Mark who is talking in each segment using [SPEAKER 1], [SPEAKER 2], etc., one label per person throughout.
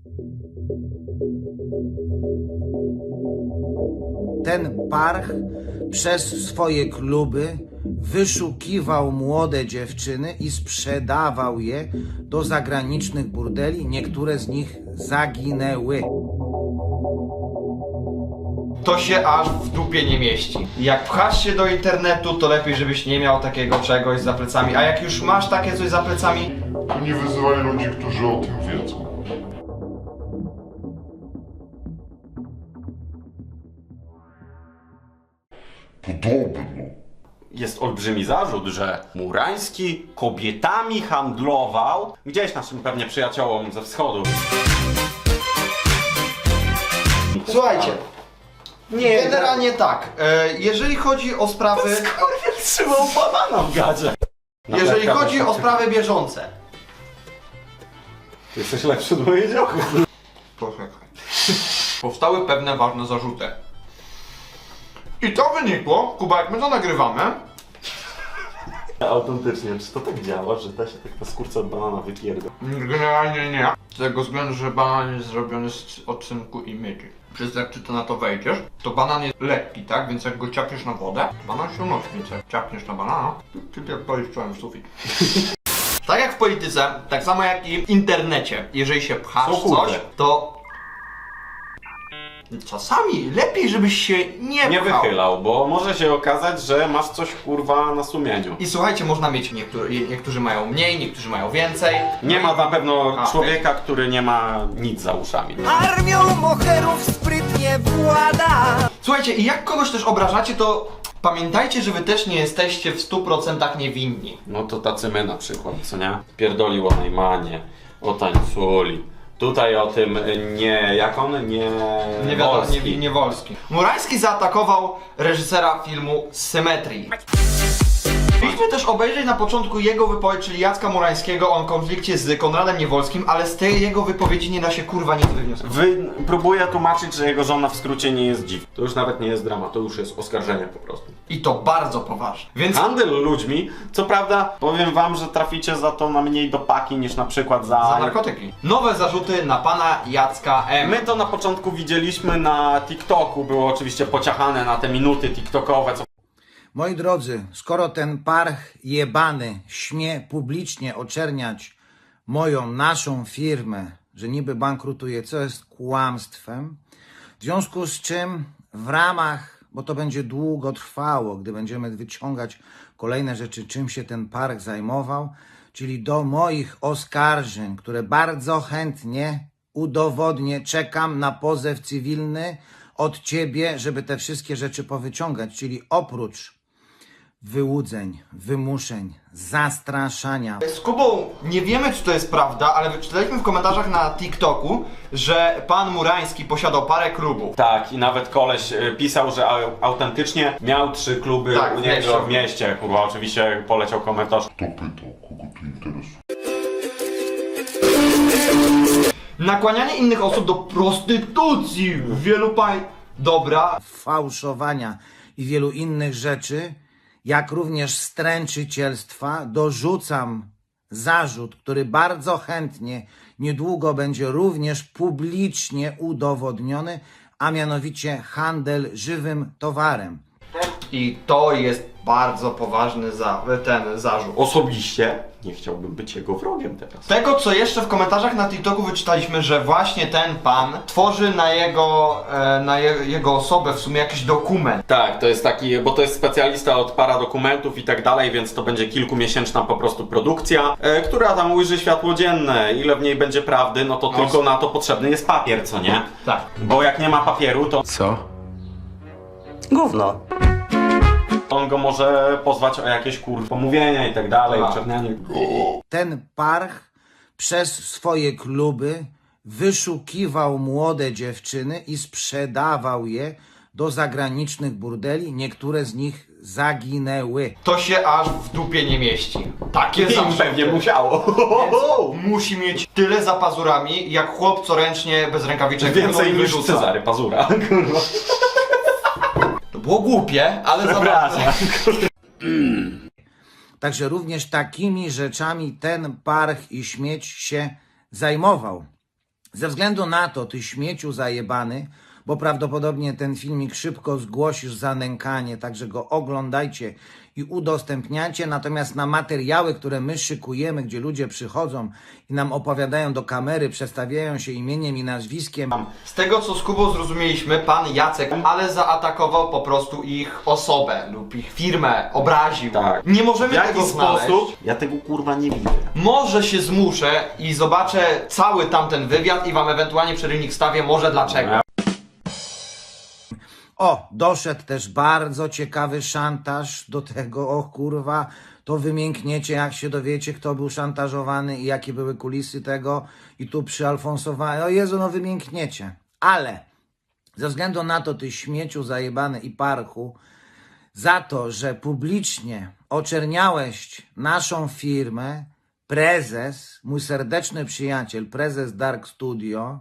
[SPEAKER 1] Ten parch przez swoje kluby wyszukiwał młode dziewczyny i sprzedawał je do zagranicznych burdeli. Niektóre z nich zaginęły.
[SPEAKER 2] To się aż w dupie nie mieści. Jak pchasz się do internetu, to lepiej, żebyś nie miał takiego czegoś za plecami. A jak już masz takie coś za plecami,
[SPEAKER 3] To nie wyzywaj ludzi, którzy o tym wiedzą. Podobno.
[SPEAKER 4] Jest olbrzymi zarzut, że Murański kobietami handlował gdzieś naszym pewnie przyjaciołom ze wschodu.
[SPEAKER 2] słuchajcie. Nie, generalnie tak. Jeżeli chodzi o sprawy.
[SPEAKER 4] Trzymał banana w gadzie.
[SPEAKER 2] Jeżeli chodzi o sprawy bieżące.
[SPEAKER 4] Ty jesteś lepszy od mojej działki.
[SPEAKER 2] Poczekaj. Powstały pewne ważne zarzuty. I to wynikło, Kuba, jak my to nagrywamy.
[SPEAKER 4] Autentycznie, czy to tak działa, że da się tak na skórce od banana wypierdol?
[SPEAKER 2] Generalnie nie. Z tego względu, że banan jest zrobiony z ocynku i miedzi. Przez jak ty to na to wejdziesz, to banan jest lekki, tak? Więc jak go ciapniesz na wodę, banan się unosi. Więc jak ciapniesz na banana, ty pierdolisz czołem w sufit. Tak jak w polityce, tak samo jak i w internecie. Jeżeli się pchasz w coś, to czasami lepiej, żebyś się nie
[SPEAKER 4] Nie
[SPEAKER 2] pchał.
[SPEAKER 4] wychylał, bo może się okazać, że masz coś kurwa na sumieniu.
[SPEAKER 2] I słuchajcie, można mieć, niektórzy mają mniej, niektórzy mają więcej.
[SPEAKER 4] Nie ma na pewno
[SPEAKER 2] A,
[SPEAKER 4] człowieka, który nie ma nic za uszami.
[SPEAKER 1] Armią moherów sprytnie włada.
[SPEAKER 2] Słuchajcie, i jak kogoś też obrażacie, to pamiętajcie, że wy też nie jesteście w 100% niewinni.
[SPEAKER 4] No to tacy my na przykład, co nie? Pierdolił o Najmanie, o Tańculi. Tutaj o tym nie, jak on?
[SPEAKER 2] Nie wiadomo,
[SPEAKER 4] Wolski.
[SPEAKER 2] Niewolski. Murański zaatakował reżysera filmu Symetrii. Mieliśmy też obejrzeć na początku jego wypowiedź, czyli Jacka Murańskiego o konflikcie z Konradem Niewolskim, ale z tej jego wypowiedzi nie da się kurwa nic wywnioskować.
[SPEAKER 4] Próbuję tłumaczyć, że jego żona w skrócie nie jest dziw. To już nawet nie jest drama, to już jest oskarżenie po prostu.
[SPEAKER 2] I to bardzo poważnie. Więc
[SPEAKER 4] Handel ludźmi, co prawda powiem wam, że traficie za to na mniej dopaki niż na przykład
[SPEAKER 2] za narkotyki. Nowe zarzuty na pana Jacka M.
[SPEAKER 4] My to na początku widzieliśmy na TikToku, było oczywiście pociachane na te minuty TikTokowe, co
[SPEAKER 1] Moi drodzy, skoro ten parch jebany śmie publicznie oczerniać naszą firmę, że niby bankrutuje, co jest kłamstwem, w związku z czym w ramach, bo to będzie długo trwało, gdy będziemy wyciągać kolejne rzeczy, czym się ten parch zajmował, czyli do moich oskarżeń, które bardzo chętnie udowodnię, czekam na pozew cywilny od ciebie, żeby te wszystkie rzeczy powyciągać, czyli oprócz wyłudzeń, wymuszeń, zastraszania.
[SPEAKER 2] Z Kubą nie wiemy, czy to jest prawda, ale wyczytaliśmy w komentarzach na TikToku, że pan Murański posiadał parę klubów.
[SPEAKER 4] tak, i nawet koleś pisał, że autentycznie miał 3 kluby
[SPEAKER 2] Tak,
[SPEAKER 4] u
[SPEAKER 2] w
[SPEAKER 4] niego
[SPEAKER 2] mieście.
[SPEAKER 4] w mieście, kurwa, oczywiście poleciał komentarz.
[SPEAKER 3] Kto pytał, kogo to interesuje?
[SPEAKER 2] Nakłanianie innych osób do prostytucji w wielu Dobra.
[SPEAKER 1] Fałszowania i wielu innych rzeczy, jak również stręczycielstwa, dorzucam zarzut, który bardzo chętnie niedługo będzie również publicznie udowodniony, a mianowicie handel żywym towarem.
[SPEAKER 2] I to jest bardzo poważny zarzut.
[SPEAKER 4] Osobiście nie chciałbym być jego wrogiem teraz.
[SPEAKER 2] Tego, co jeszcze w komentarzach na TikToku wyczytaliśmy, że właśnie ten pan tworzy na jego osobę w sumie jakiś dokument.
[SPEAKER 4] Tak, to jest taki, bo to jest specjalista od paradokumentów i tak dalej, więc to będzie kilkumiesięczna po prostu produkcja, która tam ujrzy światło dzienne. Ile w niej będzie prawdy, no to tylko na to potrzebny jest papier, co nie?
[SPEAKER 2] Tak.
[SPEAKER 4] Bo jak nie ma papieru, to
[SPEAKER 5] Co? Gówno.
[SPEAKER 4] on go może pozwać o jakieś pomówienia i tak dalej,
[SPEAKER 2] Tak.
[SPEAKER 4] oczernianie.
[SPEAKER 1] Ten parch przez swoje kluby wyszukiwał młode dziewczyny i sprzedawał je do zagranicznych burdeli. Niektóre z nich zaginęły.
[SPEAKER 2] To się aż w dupie nie mieści. Takie
[SPEAKER 4] I
[SPEAKER 2] zarzuty.
[SPEAKER 4] pewnie musiało.
[SPEAKER 2] Więc musi mieć tyle za pazurami, jak chłop, co ręcznie bez rękawiczek
[SPEAKER 4] Więcej niż
[SPEAKER 2] wyrzuca.
[SPEAKER 4] Cezary Pazura. Kurwa.
[SPEAKER 2] To było głupie, ale
[SPEAKER 4] Przepraszam.
[SPEAKER 2] zabawne.
[SPEAKER 1] Także również takimi rzeczami ten parch i śmieć się zajmował. Ze względu na to, ty śmieciu zajebany, bo prawdopodobnie ten filmik szybko zgłosisz za nękanie, także go oglądajcie i udostępniajcie, natomiast na materiały, które my szykujemy, gdzie ludzie przychodzą i nam opowiadają do kamery, przedstawiają się imieniem i nazwiskiem.
[SPEAKER 2] Z tego co z Kubą zrozumieliśmy, pan Jacek, ale zaatakował po prostu ich osobę lub ich firmę, obraził.
[SPEAKER 4] Tak.
[SPEAKER 2] Nie możemy
[SPEAKER 4] W jaki
[SPEAKER 2] tego znaleźć.
[SPEAKER 4] sposób? Ja tego kurwa nie widzę.
[SPEAKER 2] Może się zmuszę i zobaczę cały tamten wywiad i wam ewentualnie przerywnik wstawię, może dlaczego.
[SPEAKER 1] O, doszedł też bardzo ciekawy szantaż do tego, o kurwa, to wymiękniecie, jak się dowiecie, kto był szantażowany i jakie były kulisy tego i tu przyalfonsowałem, o Jezu, no wymiękniecie. Ale ze względu na to, ty śmieciu zajebany i parchu, za to, że publicznie oczerniałeś naszą firmę, prezes, mój serdeczny przyjaciel, prezes Dark Studio,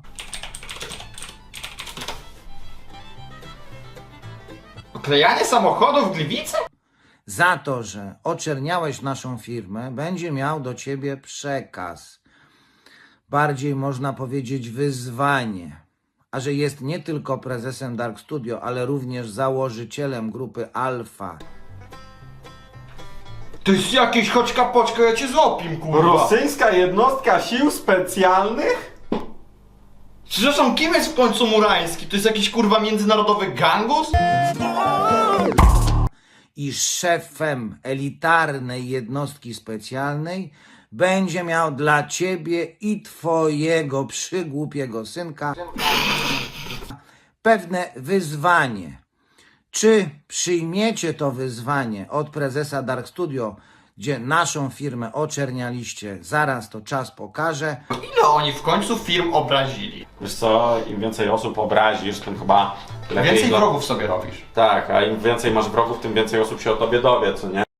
[SPEAKER 2] Oklejanie samochodów w Gliwice?
[SPEAKER 1] za to, że oczerniałeś naszą firmę, będzie miał do ciebie przekaz. Bardziej można powiedzieć wyzwanie. A że jest nie tylko prezesem Dark Studio, ale również założycielem grupy Alfa.
[SPEAKER 2] To jest jakieś choćka poczka, ja cię złapim, kurwa.
[SPEAKER 4] Rosyjska jednostka sił specjalnych?
[SPEAKER 2] Przepraszam, kim jest w końcu Murański? To jest jakiś kurwa międzynarodowy gangus?
[SPEAKER 1] I szefem elitarnej jednostki specjalnej będzie miał dla ciebie i twojego przygłupiego synka pewne wyzwanie. Czy przyjmiecie to wyzwanie od prezesa Dark Studio, gdzie naszą firmę oczernialiście? Zaraz to czas pokaże.
[SPEAKER 2] Ile oni w końcu firm obrazili?
[SPEAKER 4] Wiesz co, im więcej osób obrazisz, tym chyba lepiej...
[SPEAKER 2] Więcej wrogów sobie robisz.
[SPEAKER 4] Tak, a im więcej masz wrogów, tym więcej osób się o tobie dowie, co nie?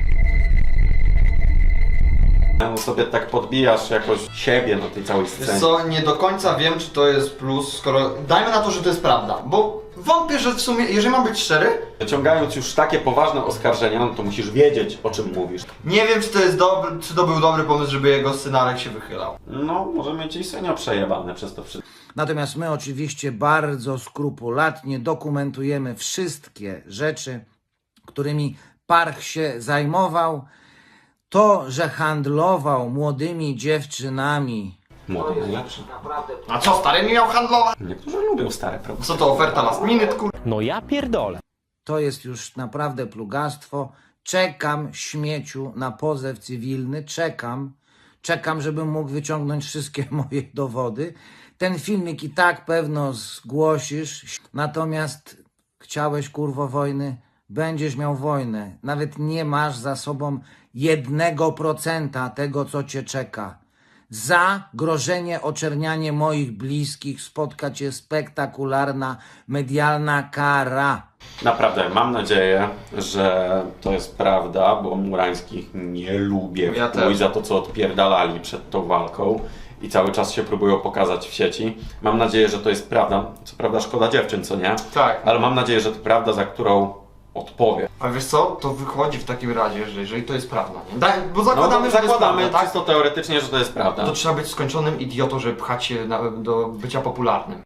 [SPEAKER 4] No sobie tak podbijasz jakoś siebie na tej całej
[SPEAKER 2] Wiesz
[SPEAKER 4] scenie.
[SPEAKER 2] co, nie do końca wiem, czy to jest plus, skoro... Dajmy na to, że to jest prawda, bo wątpię, że w sumie, jeżeli mam być szczery,
[SPEAKER 4] Wyciągając już takie poważne oskarżenia, no to musisz wiedzieć, o czym mówisz.
[SPEAKER 2] nie wiem, czy to jest dobry, czy to był dobry pomysł, żeby jego synarek się wychylał.
[SPEAKER 4] No, może mieć i synio przejebane przez to wszystko.
[SPEAKER 1] Natomiast my oczywiście bardzo skrupulatnie dokumentujemy wszystkie rzeczy, którymi Parch się zajmował. To, że handlował młodymi dziewczynami,
[SPEAKER 4] Młody najlepszy.
[SPEAKER 2] A co, stary nie miał handlować?
[SPEAKER 4] Niektórzy lubią stare, prawda?
[SPEAKER 2] Co to, oferta last minute, kur...
[SPEAKER 5] No ja pierdolę.
[SPEAKER 1] to jest już naprawdę plugastwo. Czekam, śmieciu, na pozew cywilny. Czekam, żebym mógł wyciągnąć wszystkie moje dowody. Ten filmik i tak pewno zgłosisz. Natomiast chciałeś, kurwo, wojny? Będziesz miał wojnę. Nawet nie masz za sobą 1% tego, co cię czeka. Za grożenie, oczernianie moich bliskich spotka cię spektakularna, medialna kara.
[SPEAKER 4] Naprawdę, mam nadzieję, że to jest prawda, bo Murańskich nie lubię
[SPEAKER 2] Ja
[SPEAKER 4] w chuj
[SPEAKER 2] też.
[SPEAKER 4] za to, co odpierdalali przed tą walką i cały czas się próbują pokazać w sieci. Mam nadzieję, że to jest prawda. Co prawda szkoda dziewczyn, co nie?
[SPEAKER 2] Tak.
[SPEAKER 4] Ale mam nadzieję, że to prawda, za którą odpowie.
[SPEAKER 2] A wiesz co, to wychodzi w takim razie, że jeżeli to jest prawda, nie? Bo
[SPEAKER 4] No,
[SPEAKER 2] zakładamy, że to jest
[SPEAKER 4] zakładamy
[SPEAKER 2] prawda, tak?
[SPEAKER 4] czysto teoretycznie, że to jest prawda.
[SPEAKER 2] To trzeba być skończonym idiotą, żeby pchać się do bycia popularnym.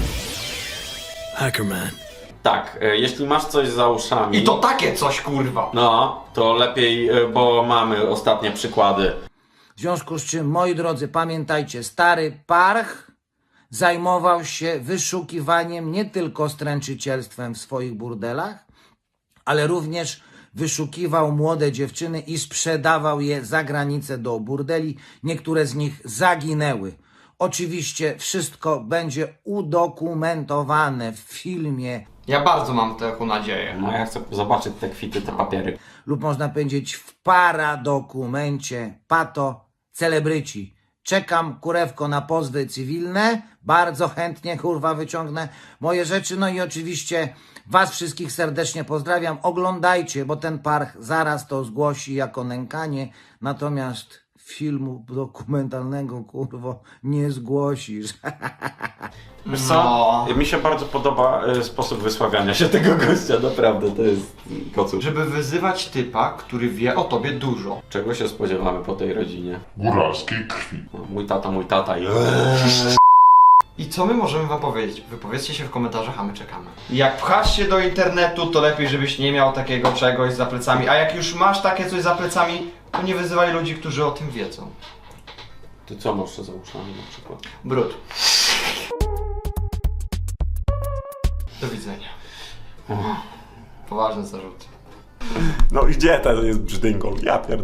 [SPEAKER 4] Tak, jeśli masz coś za uszami,
[SPEAKER 2] I to takie coś, kurwa!
[SPEAKER 4] no, to lepiej, bo mamy ostatnie przykłady.
[SPEAKER 1] W związku z czym, moi drodzy, pamiętajcie, stary Parch zajmował się wyszukiwaniem nie tylko stręczycielstwem w swoich burdelach, ale również wyszukiwał młode dziewczyny i sprzedawał je za granicę do burdeli. Niektóre z nich zaginęły. Oczywiście wszystko będzie udokumentowane w filmie
[SPEAKER 2] Ja bardzo mam taką nadzieję.
[SPEAKER 4] No ja chcę zobaczyć te kwity, te papiery.
[SPEAKER 1] lub można powiedzieć w paradokumencie Pato Celebryci. Czekam, kurewko, na pozwy cywilne. Bardzo chętnie, kurwa, wyciągnę moje rzeczy. No i oczywiście was wszystkich serdecznie pozdrawiam. Oglądajcie, bo ten Parch zaraz to zgłosi jako nękanie. Natomiast filmu dokumentalnego, kurwo, nie zgłosisz.
[SPEAKER 4] Wiesz co?
[SPEAKER 2] No.
[SPEAKER 4] Mi się bardzo podoba sposób wysławiania się tego gościa, naprawdę, to jest kocu.
[SPEAKER 2] Żeby wyzywać typa, który wie o tobie dużo.
[SPEAKER 4] Czego się spodziewamy po tej rodzinie?
[SPEAKER 3] Góralskiej krwi.
[SPEAKER 4] No, mój tata,
[SPEAKER 2] I co my możemy wam powiedzieć? Wypowiedzcie się w komentarzach, a my czekamy. Jak pchasz się do internetu, to lepiej, żebyś nie miał takiego czegoś za plecami, a jak już masz takie coś za plecami, to nie wyzywaj ludzi, którzy o tym wiedzą.
[SPEAKER 4] Ty co masz za uszami na przykład?
[SPEAKER 2] Brud. Do widzenia. Poważne zarzuty.
[SPEAKER 4] No i gdzie ten jest brzydynką? Ja pierdolę.